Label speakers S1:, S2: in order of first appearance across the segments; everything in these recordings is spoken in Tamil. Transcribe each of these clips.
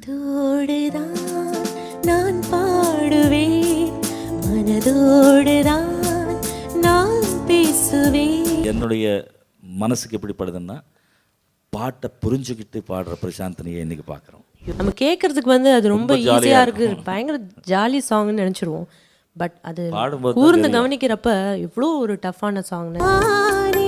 S1: காதோடுதான் நான் பாடுவேன், மனதோடுதான் நான் பேசுவேன்.
S2: என்னுடைய மனசுக்கு எப்படி படுதுன்னா, பாட்டை புரிஞ்சுக்கிட்டு பாடுற பிரசாந்தினியை இன்னைக்கு பார்க்குறோம்.
S3: நம்ம கேட்கறதுக்கு வந்து அது ரொம்ப ஈஸியா இருக்கு, பயங்கர ஜாலி சாங்னு நினைச்சிருவோம். பட் அது
S2: பாடும்போது
S3: கூர்ந்து கவனிக்கிறப்ப இவ்வளோ ஒரு டஃப்பான சாங்னு.
S1: நானே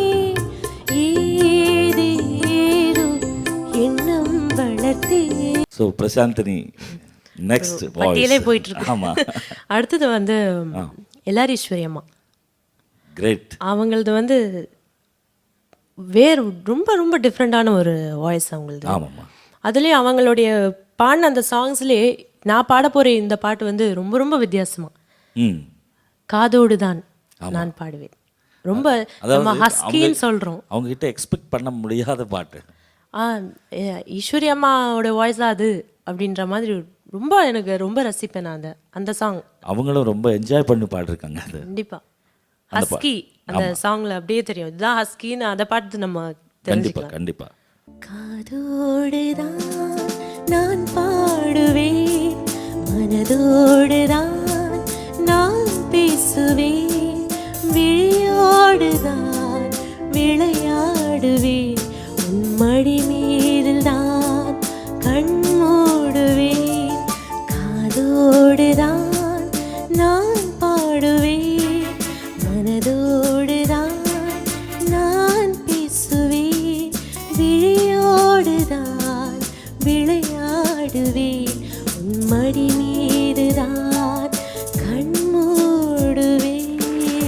S1: ஏதேதோ எண்ணம் வளர்த்தேன்.
S2: ஸோ பிரசாந்தினி நெக்ஸ்ட்
S3: பட்டியலே போயிட்டு இருக்கு.
S2: ஆமா,
S3: அடுத்தது வந்து எல்லாரீஸ்வரி அம்மா.
S2: கிரேட்.
S3: அவங்களது வந்து வேறு ரொம்ப ரொம்ப டிஃப்ரெண்டான ஒரு வாய்ஸ் அவங்களது.
S2: ஆமாம்மா.
S3: அதுலேயும் அவங்களுடைய பாடின அந்த சாங்ஸ்லேயே நான் பாட போகிற இந்த பாட்டு வந்து ரொம்ப ரொம்ப வித்தியாசமா. காதோடு தான் நான் பாடுவேன். ரொம்ப நம்ம ஹஸ்கின்னு சொல்கிறோம்.
S2: அவங்க கிட்ட எக்ஸ்பெக்ட் பண்ண முடியாத பாட்டு.
S3: ஈஸ்வரி அம்மாவோட வாய்ஸ் தான் அது அப்படின்ற மாதிரி ரொம்ப எனக்கு ரொம்ப ரசிப்பேன் நான் அந்த சாங்.
S2: அவங்களும் ரொம்ப என்ஜாய் பண்ணி பாடிருக்காங்க அது.
S3: கண்டிப்பாக ஹஸ்கி அந்த சாங்ல அப்படியே தெரியும், இதுதான் ஹஸ்கின்னு. அதை பார்த்து நம்ம
S2: கண்டிப்பாக கண்டிப்பாக.
S1: காதோடுதான் நான் பாடுவேன், மனதோடுதான் நான் பேசுவேன், விழியோடுதான் விளையாடுவேன், உன் மடி மீதில் தான் கண் மூடுவேன். காதோடுதான் நான் பாடுவேன், மனதோடுதான் நான் பேசுவேன், விழியோடுதான் விளையாடுவேன், உன் மடி மீதுதான் கண் மூடுவேன்.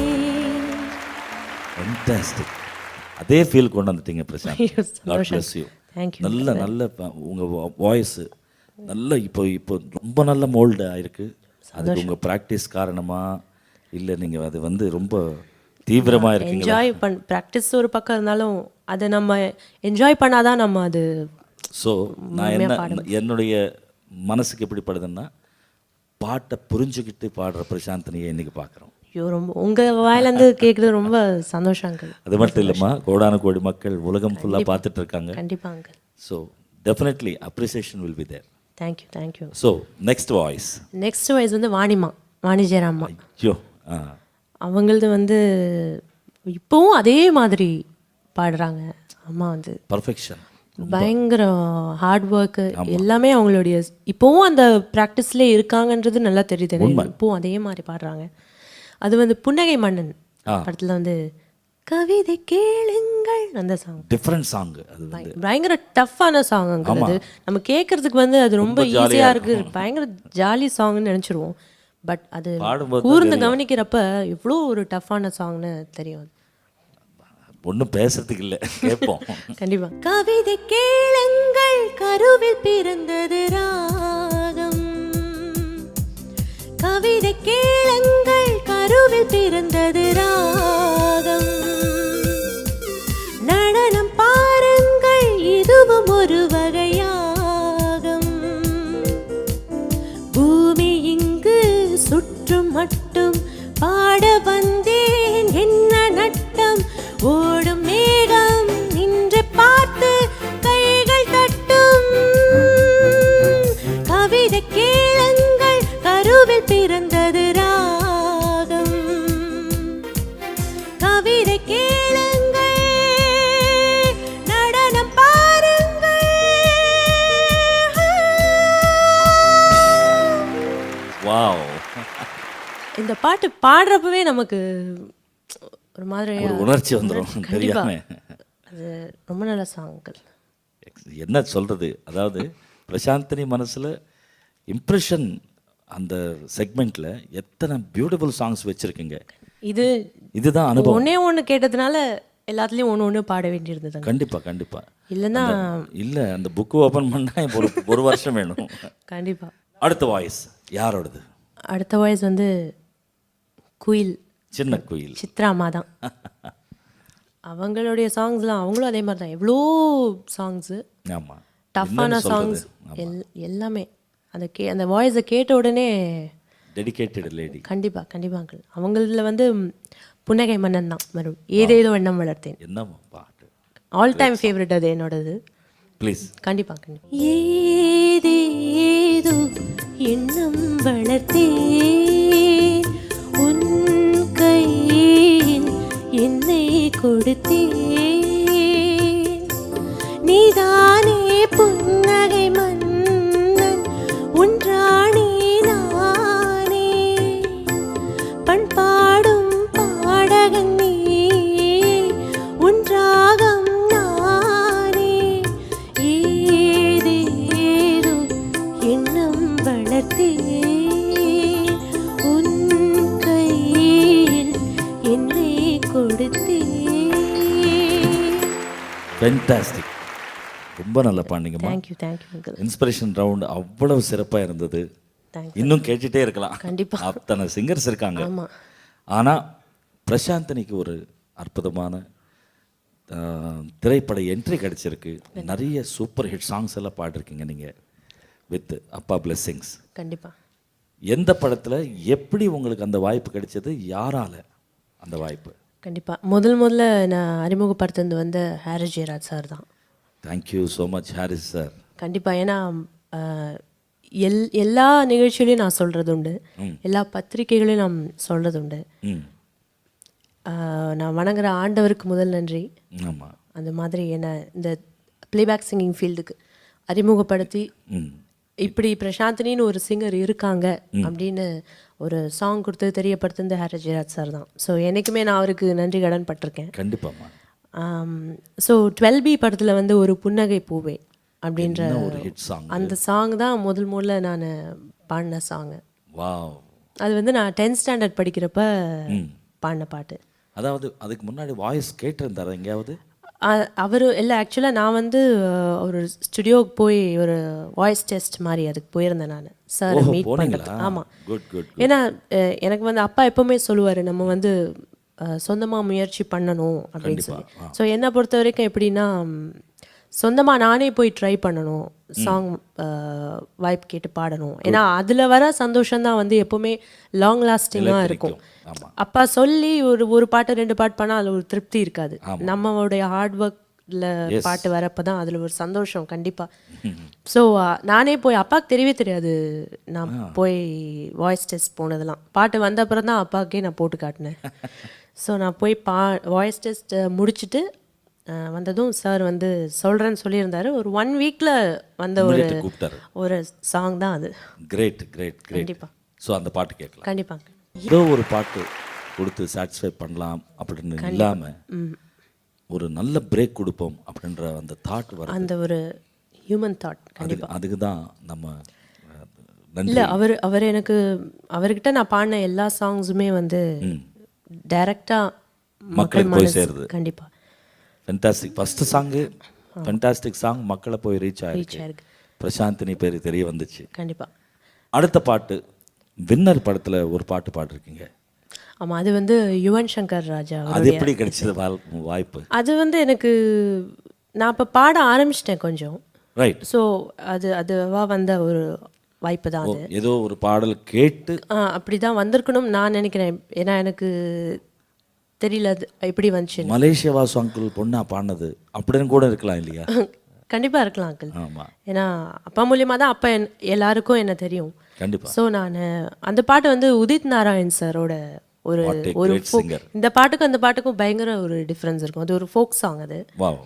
S2: ஃபேன்டாஸ்டிக். அதே ஃபீல் கொண்டு வந்துட்டீங்க Prashanth. God bless you.
S3: Thank you.
S2: நல்ல உங்கள் வாய்ஸு நல்ல இப்போ ரொம்ப நல்ல மோல்டு ஆயிருக்கு. அதுக்கு உங்கள் ப்ராக்டிஸ் காரணமா இல்லை நீங்கள் அது வந்து ரொம்ப தீவிரமாக இருக்கீங்க?
S3: என்ஜாய் ப்ராக்டிஸ் ஒரு பக்கம் இருந்தாலும் அதை நம்ம என்ஜாய் பண்ணாதான் நம்ம அது.
S2: ஸோ நான் என்னுடைய மனசுக்கு எப்படி படுதுன்னா, பாட்டை புரிஞ்சுக்கிட்டு பாடுற பிரசாந்தினியை இன்னைக்கு பார்க்குறோம்.
S3: ஐயோ, ரொம்ப உங்கள் வாயிலேருந்து கேட்குறது ரொம்ப சந்தோஷம் அங்கிள்.
S2: அது மட்டும் இல்லைம்மா, கோடான கோடி மக்கள் உலகம் ஃபுல்லாக பார்த்துட்டு இருக்காங்க.
S3: கண்டிப்பாக uncle.
S2: So definitely appreciation will be there.
S3: Thank you thank you.
S2: So next voice
S3: வந்து வாணி ஜெயராம்மா.
S2: ஐயோ,
S3: அவங்களது வந்து இப்போவும் அதே மாதிரி பாடுறாங்க. அம்மா வந்து
S2: பர்ஃபெக்ஷன்,
S3: பயங்கர ஹார்ட் ஒர்க்கு எல்லாமே அவங்களுடைய இப்போவும் அந்த ப்ராக்டிஸ்லேயே இருக்காங்கன்றது நல்லா தெரியுது. இப்போவும் அதே மாதிரி பாடுறாங்க. அது வந்து புன்னகை மன்னன் படத்தில் வந்து கவிதை கேளுங்கள் அந்த சாங்,
S2: டிஃப்ரெண்ட் சாங். அது
S3: பயங்கர டஃப்பான சாங். அது நம்ம கேட்கறதுக்கு வந்து அது ரொம்ப ஈஸியாக இருக்கு, பயங்கர ஜாலி சாங்னு நினச்சிருவோம். பட் அது கூர்ந்து கவனிக்கிறப்ப இவ்வளோ ஒரு டஃப்பான சாங்னு தெரியும்.
S2: ஒன்றும் பேசுறதுக்கு இல்லை, கேட்போம்.
S3: கண்டிப்பா.
S1: கவிதை கேளுங்கள், கருவில் பிறந்தது ராகம். கவிதை கேளுங்கள், கருவில் பிறந்தது ராகம். நடனம் பாருங்கள், இதுவும் ஒரு வகையாகம். பூமி இங்கு சுற்றும் மட்டும் பாட வந்தேன், என்ன நட்டம். ஓடும் மேகம் நின்று பார்த்து கைகள் தட்டும். கவிதை கேளுங்கள், கருவில் பிறந்தது ராகம். கவிதை கேளுங்கள், நடனம் பாருங்கள்.
S2: வாவ்.
S3: இந்த பாட்டு பாடுறப்பவே நமக்கு ஒரு மாதிரி
S2: ஒரு உணர்ச்சி வந்துடும் தெரியாம.
S3: அது ரொம்ப நல்ல சாங்கள்.
S2: என்ன சொல்றது, அதாவது பிரசாந்தினி மனசுல இம்ப்ரெஷன் அந்த செக்மெண்ட்ல எத்தனை பியூட்டிஃபுல் சாங்ஸ் வச்சிருக்கீங்க. இதுதான் அனுபவம்.
S3: ஒன்று கேட்டதுனால எல்லாத்துலேயும் ஒன்று பாட வேண்டியிருந்தது.
S2: கண்டிப்பா கண்டிப்பா.
S3: இல்லைன்னா
S2: இல்லை, அந்த புக்கு ஓப்பன் பண்ணா ஒரு வருஷம் வேணும்.
S3: கண்டிப்பா.
S2: அடுத்த வாய்ஸ் யாரோடது?
S3: அடுத்த வாய்ஸ் வந்து குயில்,
S2: சின்ன குயில்,
S3: சித்ரா அம்மா தான். அவங்களுடைய சாங்ஸ்லாம் அவங்களும் அதே மாதிரி தான். எவ்வளோ சாங்ஸு,
S2: ஆமாம்,
S3: டஃப்பான சாங்ஸ் எல்லாமே. அந்த வாய்ஸை கேட்ட உடனே
S2: டெடிகேட்டட் லேடி.
S3: கண்டிப்பாக கண்டிப்பாக அங்கிள். அவங்கள வந்து புன்னகை மன்னன் தான் வரும். ஏதேதோ எண்ணம் வளர்த்தேன்.
S2: என்ன பாட்டு,
S3: ஆல் டைம் ஃபேவரட் அது என்னோடது.
S2: ப்ளீஸ்.
S3: கண்டிப்பாக கண்டிப்பாக.
S1: ஏதே வளர்த்தேன் உன் கையில் என்னை கொடுத்தேன் நீதானே புன்னகை மன்னன் உன்றானே நானே பண்பாடும் பாடகன் நீ உன்றாகம் நானே ஏதேதோ எண்ணம் வளர்த்தேன் உன் கையில் என்னை கொடுத்தேன்.
S2: ஃபென்டாஸ்டிக், ரொம்ப நல்லா பாண்டிங்கம்மா.
S3: Thank you uncle.
S2: இன்ஸ்பிரேஷன் ரவுண்ட் அவ்வளவு சிறப்பாக இருந்தது.
S3: தேங்க்ஸ்.
S2: இன்னும் கேட்டுட்டே இருக்கலாம்.
S3: கண்டிப்பா.
S2: அத்தனை சிங்கர்ஸ் இருக்காங்க.
S3: ஆமாம்.
S2: ஆனால் பிரசாந்தனிக்கு ஒரு அற்புதமான திரைப்பட என்ட்ரி கிடைச்சிருக்கு. நிறைய சூப்பர் ஹிட் சாங்ஸ் எல்லாம் பாடிருக்கீங்க நீங்கள் வித் அப்பா பிளெஸ்ஸிங்ஸ்.
S3: கண்டிப்பாக.
S2: எந்த படத்தில் எப்படி உங்களுக்கு அந்த வாய்ப்பு கிடைச்சது, யாரால அந்த வாய்ப்பு?
S3: கண்டிப்பாக முதல்ல நான் அறிமுகப்படுத்துறது வந்து ஹாரிஸ் ஜெயராஜ் சார் தான்.
S2: Thank you so much Harris sir.
S3: கண்டிப்பாக. ஏன்னா எல்லா நிகழ்ச்சியிலையும் நான் சொல்கிறது உண்டு, எல்லா பத்திரிகைகளையும் நான் சொல்கிறது உண்டு. நான் வணங்குற ஆண்டவருக்கு முதல் நன்றி.
S2: ஆமாம்.
S3: அந்த மாதிரி என்னை இந்த ப்ளேபேக் சிங்கிங் ஃபீல்டுக்கு அறிமுகப்படுத்தி இப்படி பிரசாந்தினின்னு ஒரு சிங்கர் இருக்காங்க அப்படின்னு ஒரு சாங் கொடுத்து தெரியப்படுத்துறது ஹாரிஸ் ஜெயராஜ் சார் தான். ஸோ என்றைக்குமே நான் அவருக்கு நன்றி கடன் பட்டிருக்கேன்.
S2: கண்டிப்பாம்மா.
S3: ஸோ 12B படத்தில் வந்து ஒரு புன்னகை பூவே அப்படின்ற
S2: ஒரு ஹிட் சாங்,
S3: அந்த சாங் தான் முதல்ல நான் பாடின சாங்கு.
S2: வாவ்.
S3: அது வந்து நான் 10th ஸ்டாண்டர்ட் படிக்கிறப்ப பாடின பாட்டு.
S2: அதாவது அதுக்கு முன்னாடி வாய்ஸ் கேட்டிருந்தாரா எங்கேயாவது?
S3: அவர் இல்லை, ஆக்சுவலாக நான் வந்து ஒரு ஸ்டுடியோவுக்கு போய் ஒரு வாய்ஸ் டெஸ்ட் மாதிரி அதுக்கு போயிருந்தேன் நான் சார் மீட் பண்ணுறது. ஆமாம். ஏன்னா எனக்கு வந்து அப்பா எப்போவுமே சொல்லுவார் நம்ம வந்து சொந்தமாக முயற்சி பண்ணணும் அப்படின்னு சொல்லி. ஸோ என்னை பொறுத்த வரைக்கும் எப்படின்னா சொந்தமாக நானே போய் ட்ரை பண்ணணும், சாங் வாய்ப்பு கேட்டு பாடணும். ஏன்னா அதில் வர சந்தோஷம்தான் வந்து எப்போவுமே லாங் லாஸ்டிங்காக இருக்கும். அப்பா சொல்லி ஒரு பாட்டு 2 பாட்டு பண்ணால் அதில் ஒரு திருப்தி இருக்காது. நம்மளுடைய ஹார்ட் ஒர்க்கில் பாட்டு வரப்போ தான் அதில் ஒரு சந்தோஷம் கண்டிப்பாக. ஸோ நானே போய் அப்பாவுக்கு தெரியவே தெரியாது நான் போய் வாய்ஸ் டெஸ்ட் போனதெல்லாம். பாட்டு வந்த அப்புறம் தான் அப்பாவுக்கே நான் போட்டு காட்டினேன். ஸோ நான் போய் வாய்ஸ் டெஸ்ட் முடிச்சுட்டு வந்ததும் சார் வந்து சொல்கிறேன்னு சொல்லியிருந்தாரு. ஒரு 1 வீக்கில் வந்த ஒரு சாங் தான் அது.
S2: Great great great.
S3: கண்டிப்பாக.
S2: ஸோ அந்த பாட்டு கேட்கலாம்.
S3: கண்டிப்பாக.
S2: ஏதோ ஒரு பாட்டு கொடுத்து சாட்டிஸ்ஃபை பண்ணலாம் அப்படின்னு இல்லாமல் ஒரு நல்ல பிரேக் கொடுப்போம் அப்படின்ற அந்த தாட் வர,
S3: அந்த ஒரு ஹியூமன் தாட். கண்டிப்பாக.
S2: அதுக்கு தான் நம்ம
S3: இல்லை அவர் எனக்கு அவர்கிட்ட நான் பாடின எல்லா சாங்ஸுமே வந்து டைரெக்டாக
S2: மக்களுக்கு போய் சேருது.
S3: கண்டிப்பாக.
S2: Fantastic. First song fantastic song, மக்களை போய் ரீச் ஆயிருக்கு. பிரசாந்தினி பேர் தெரிய வந்துச்சு.
S3: கண்டிப்பாக.
S2: அடுத்த பாட்டு வின்னர் படத்தில் ஒரு பாட்டு பாடிருக்கீங்க.
S3: ஆமாம், அது வந்து யுவன் சங்கர் ராஜா.
S2: அது எப்படி கிடைச்சது வாய்ப்பு?
S3: அது வந்து எனக்கு நான் இப்போ பாட ஆரம்பிச்சிட்டேன் கொஞ்சம்.
S2: ரைட்.
S3: ஸோ அதுவா வந்த ஒரு வாய்ப்பு தான் அது.
S2: ஏதோ ஒரு பாடல் கேட்டு
S3: அப்படி தான் வந்திருக்கணும் நான் நினைக்கிறேன். ஏன்னா எனக்கு தெரியல அது எப்படி வந்துச்சு.
S2: மலேசியா வாசு அங்கிள் பொண்ணா பாடினது அப்படின்னு கூட இருக்கலாம் இல்லையா?
S3: கண்டிப்பாக இருக்கலாம் அங்கிள்.
S2: ஆமாம்.
S3: ஏன்னா அப்பா மூலியமாக தான் அப்போ எல்லாருக்கும் என்ன தெரியும்.
S2: கண்டிப்பாக.
S3: ஸோ நான் அந்த பாட்டு வந்து உதித் நாராயண் சாரோட ஒரு இந்த பாட்டுக்கும் அந்த பாட்டுக்கும் பயங்கர ஒரு டிஃப்ரென்ஸ் இருக்கும். அது ஒரு ஃபோக் சாங் அது.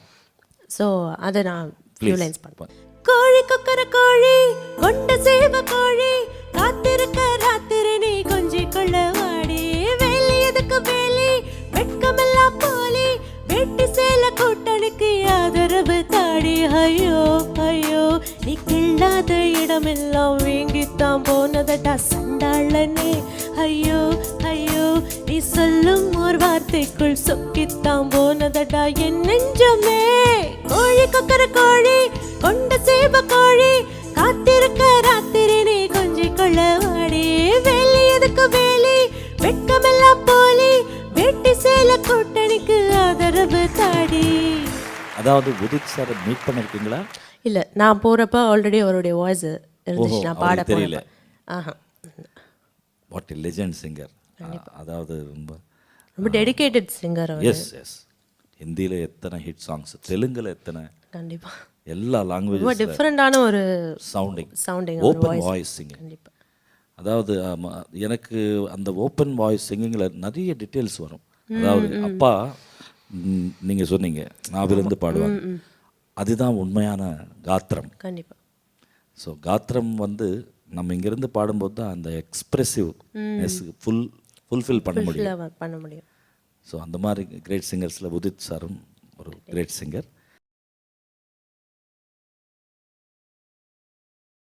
S3: ஸோ அதை நான் ஃபியூ லைன்ஸ் பண்ணுவேன்.
S1: கோழி கொக்கர கோழி கொண்ட சேவ கோழி காத்திருக்க ராத்திரி நீ கொஞ்சி கொள்ள வாடி வேலி எதுக்கு வேலி வெட்கமெல்லாம் போலி வெட்டி சேல கூட்டனுக்கு ஆதரவு தாடி. ஐயோ ஐயோ நீ கிள்ளாத இடமெல்லாம் வீங்கித்தான் போனதடா சண்டாளனே. ஐயோ ஐயோ நீ சொல்லும் ஒரு வார்த்தைக்குள் சொக்கித்தான் போனதடா என் நெஞ்சமே. கோழி கொக்கர கோழி கொண்ட சேவ கோழி காத்திருக்க ராத்திரி நீ கொஞ்சி கொள்ள வாடி வேலி எதுக்கு வேலி வெட்கமெல்லாம் போலி வெட்டி சேல கூட்டணிக்கு ஆதரவு தாடி.
S2: அதாவது உதித் சார் மீட் பண்ணிருக்கீங்களா?
S3: இல்லை, நான் போகிறப்ப ஆல்ரெடி அவருடைய வாய்ஸ் இருந்துச்சு. நான் பாட
S2: தெரியல.
S3: ஆஹா.
S2: What a legend singer. அதாவது
S3: ரொம்ப டெடிகேட்டட் சிங்கர்.
S2: S S. ஹிந்தியில் எத்தனை ஹிட் சாங்ஸ், தெலுங்குல எத்தனை,
S3: கண்டிப்பாக
S2: எல்லா லாங்குவேஜ்
S3: ரொம்ப டிஃப்ரெண்டான ஒரு
S2: sounding
S3: sounding
S2: open voice singing.
S3: கண்டிப்பாக.
S2: அதாவது எனக்கு அந்த ஓப்பன் வாய்ஸ் சிங்கிங்கில் நிறைய டீட்டெயில்ஸ் வரும். அதாவது அப்பா நீங்கள் சொன்னீங்க நாவிலிருந்து பாடுவாங்க, அதுதான் உண்மையான காத்திரம்.
S3: கண்டிப்பாக.
S2: ஸோ காத்திரம் வந்து நம்ம இங்கேருந்து பாடும்போது தான் அந்த எக்ஸ்ப்ரெசிவ் ஃபுல்ஃபில் பண்ண முடியும்.
S3: பண்ண முடியும்.
S2: ஸோ அந்த மாதிரி கிரேட் சிங்கர்ஸில் உதித் சாரும் ஒரு கிரேட் சிங்கர்.